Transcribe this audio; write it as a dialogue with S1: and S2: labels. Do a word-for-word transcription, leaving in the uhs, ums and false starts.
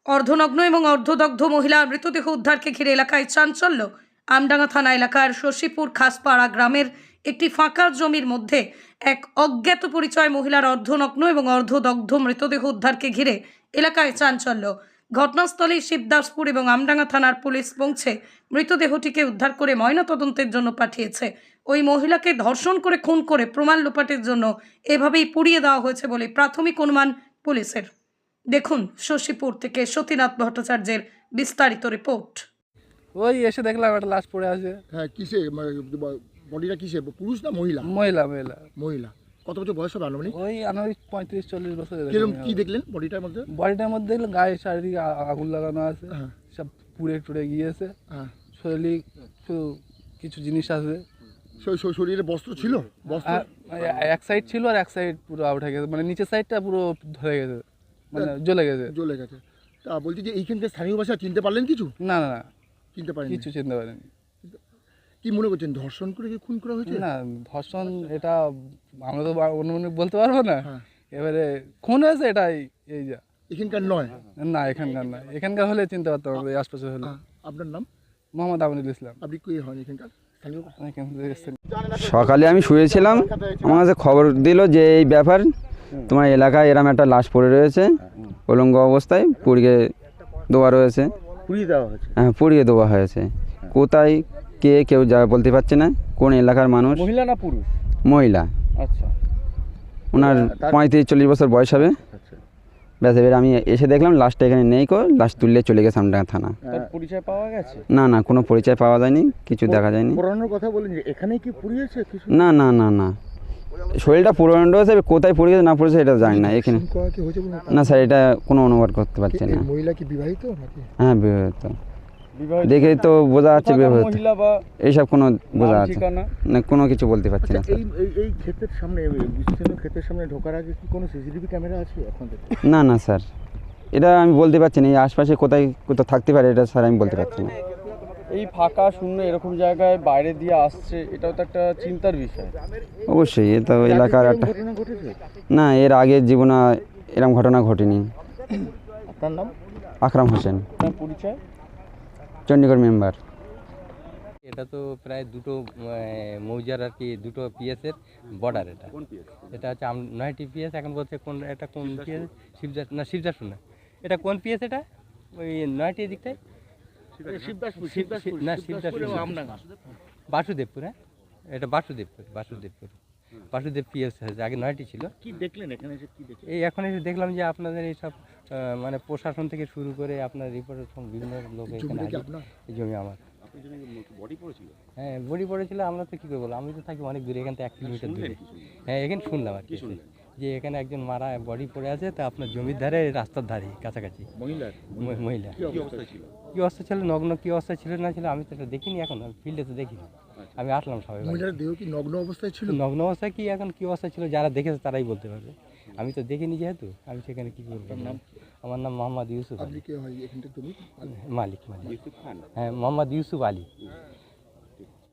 S1: অর্ধনগ্ন এবং অর্ধদগ্ধ মহিলার মৃতদেহ উদ্ধারকে ঘিরে এলাকায় চাঞ্চল্য। আমডাঙ্গা থানা এলাকার শশীপুর খাসপাড়া গ্রামের একটি ফাঁকা জমির মধ্যে এক অজ্ঞাত পরিচয় মহিলার অর্ধনগ্ন এবং অর্ধদগ্ধ মৃতদেহ উদ্ধারকে ঘিরে এলাকায় চাঞ্চল্য। ঘটনাস্থলে শিবদাসপুর এবং আমডাঙ্গা থানার পুলিশ পৌঁছে মৃতদেহটিকে উদ্ধার করে ময়নাতদন্তের জন্য পাঠিয়েছে। ওই মহিলাকে ধর্ষণ করে খুন করে প্রমাণ লোপাটের জন্য এভাবেই পুড়িয়ে দেওয়া হয়েছে বলে প্রাথমিক অনুমান পুলিশের। দেখুন শশীপুর থেকে সতীনাথ ভট্টাচার্যের বিস্তারিত রিপোর্ট।
S2: ওই এসে দেখলাম একটা লাশ পড়ে আছে।
S3: হ্যাঁ, কিসে বডিটা কিসে, পুরুষ না মহিলা?
S2: মহিলা মহিলা
S3: মহিলা। কত বছর বয়স হবে আনুমানিক?
S2: ওই আনুমানিক পঁয়ত্রিশ চল্লিশ বছর।
S3: কিরকম কি দেখলেন বডিটার মধ্যে?
S2: বডিটার মধ্যে দেখলাম গায়ে চারিদিকে আ- আগুন লাগানো আছে,
S3: হ্যাঁ
S2: সব পুড়ে টুড়ে গিয়েছে।
S3: হ্যাঁ।
S2: শরীরে শুধু কিছু জিনিস আছে,
S3: শরী- শরী- শরীরে বস্ত্র ছিল? বস্ত্র
S2: আর এক সাইড ছিল আর এক সাইড পুরো আউট হয়ে গেছে, মানে নিচের সাইডটা পুরো ধরে গেছে, মানে জ্বলে গেছে।
S3: জ্বলে গেছে। তা বলছি যে এইখানকার স্থানীয় ভাষা চিনতে পারলেন কিছু?
S2: না না না,
S3: চিনতে পারেন
S2: কিছু চিনতে পারেনি।
S3: কি মনে করছেন, ধর্ষণ করে কি খুন করা হয়েছে?
S2: না, ধর্ষণ এটা আমরা তো বা- অনুমানিক বলতে পারবো না।
S3: হ্যাঁ।
S2: এবারে খুন হয়েছে এটাই, এই যা।
S3: এখানকার নয়?
S2: না, এখানকার না, এখানকার হলে চিনতে পারতাম আমরা, এই আশপাশে হলে।
S3: হ্যাঁ। আপনার নাম?
S2: মোহাম্মদ আমিনুল ইসলাম।
S3: আপনি কি হন এখানকার স্থানীয়?
S2: এখান থেকে এসেছেন।
S4: সকালে আমি শুয়েছিলাম, আমার কাছে খবর দিল যে এই ব্যাপার, তোমার এলাকায় এরম একটা লাশ পড়ে রয়েছে, উলঙ্গ অবস্থায় পুড়িয়ে দেওয়া রয়েছে।
S3: পুড়িয়ে দেওয়া হয়েছে?
S4: হ্যাঁ, পুড়িয়ে দেওয়া হয়েছে। কোথায় কে কেউ যা বলতে পারছে না, কোন এলাকার মানুষ।
S3: মহিলা না পুরুষ?
S4: মহিলা।
S3: আচ্ছা।
S4: ওনার পঁয়ত্রিশ চল্লিশ বছর বয়স হবে।
S3: আচ্ছা।
S4: ব্যাস, এবার আমি এসে দেখলাম লাশটা এখানে নেই, কো লাশ তুললে চলে গেছে আমডাঙ্গা থানা।
S3: পরিচয় পাওয়া গেছে?
S4: না না, কোনো পরিচয় পাওয়া যায়নি, কিছু দেখা যায়নি।
S3: পুরানোর কথা বলেন যে এখানেই কি পুড়িয়েছে কিছু?
S4: না না না না, শরীরটা পুরনো রয়েছে, এবার কোথায় পড়েছে না পড়েছে এটা জানি না এখানে। না স্যার, এটা কোনো অনুবাদ করতে পারছে না।
S3: মহিলা কি বিবাহিত নাকি?
S4: হ্যাঁ, বিবাহিত। দেখে তো বোঝা যাচ্ছে বিবাহিত, এইসব কোনো বোঝা যাচ্ছে না, কোনো কিছু বলতে পারছি না।
S3: এই এই এই ক্ষেতের সামনে, বিস্তীর্ণ ক্ষেতের সামনে ঢোকার আগে কি কোনো সিসিটিভি ক্যামেরা আছে আপনাদের?
S4: না না স্যার, এটা আমি বলতে পারছি না, এই আশপাশে কোথায় কোথাও থাকতে পারে এটা স্যার আমি বলতে পারছি না।
S5: এই ফাঁকা শূন্য এরকম জায়গায় বাইরে দিয়ে আসছে, এটাও তো একটা চিন্তার বিষয়।
S4: অবশ্যই, এ তো এলাকার একটা
S3: ঘটনা ঘটেছে?
S4: না, এর আগের জীবনে এরকম ঘটনা ঘটেনি।
S3: আপনার নাম?
S4: আকরাম হোসেন,
S5: আপনার পরিচয়?
S4: চণ্ডীগড় মেম্বার।
S6: এটা তো প্রায় দুটো মৌজার আর কি, দুটো পিএসের বর্ডার। এটা এটা হচ্ছে আম- নয়টি পিএস। এখন বলছে কোন এটা কোন পিএস, শিবদাস না শিবদাসপুর না, এটা কোন পিএস? এটা ওই নয়টি দিকটায়
S3: শিবদাসপুর।
S6: শিব- শিব- না শিবদাসপুর না, বাসুদেবপুর। হ্যাঁ, এটা বাসুদেবপুর, বাসুদেবপুর বাসুদেব পিএস হয়েছে, আগে নয়টি ছিল।
S3: কি দেখলেন এখানে এসে, কি দেখলেন?
S6: এই এখন এসে দেখলাম যে আপনাদের এইসব আহ, মানে প্রশাসন থেকে শুরু করে আপনার রিপোর্টার বিভিন্ন লোক এখানে
S3: জমিটা কি
S6: হাজির।
S3: আপনার?
S6: এই জমি আমার। হ্যাঁ, বডি পড়েছিল। আমরা তো কী করে বলবো, আমি তো থাকি অনেক দূরে, এখান থেকে এক কিলোমিটার দূরে। হ্যাঁ, এখানে শুনলাম আর কি, যে এখানে একজন মারা বডি পড়ে আছে, তা আপনার জমির ধারে, রাস্তার ধারে কাছাকাছি।
S3: মহিলার?
S6: ম- মহিলা
S3: কি অবস্থা ছিল?
S6: কী অবস্থা ছিল, নগ্ন কী অবস্থা ছিল না ছিল আমি তো এটা দেখিনি, এখন আমি ফিল্ডে তো দেখিনি। আমি আসলাম সবাই বাড়ি।
S3: মহিলার দেহ কি নগ্ন অবস্থায় ছিল?
S6: নগ্ন অবস্থা কি এখন কী অবস্থা ছিল, যারা দেখেছে তারাই বলতে পারবে, আমি তো দেখিনি যেহেতু, আমি সেখানে কী করবো। আমার নাম মোহাম্মদ ইউসুফ
S3: আপনি
S6: আলী।
S3: কে হয় এখানটা? তুমি
S6: মালিক মালিক হ্যাঁ, মোহাম্মদ ইউসুফ আলী।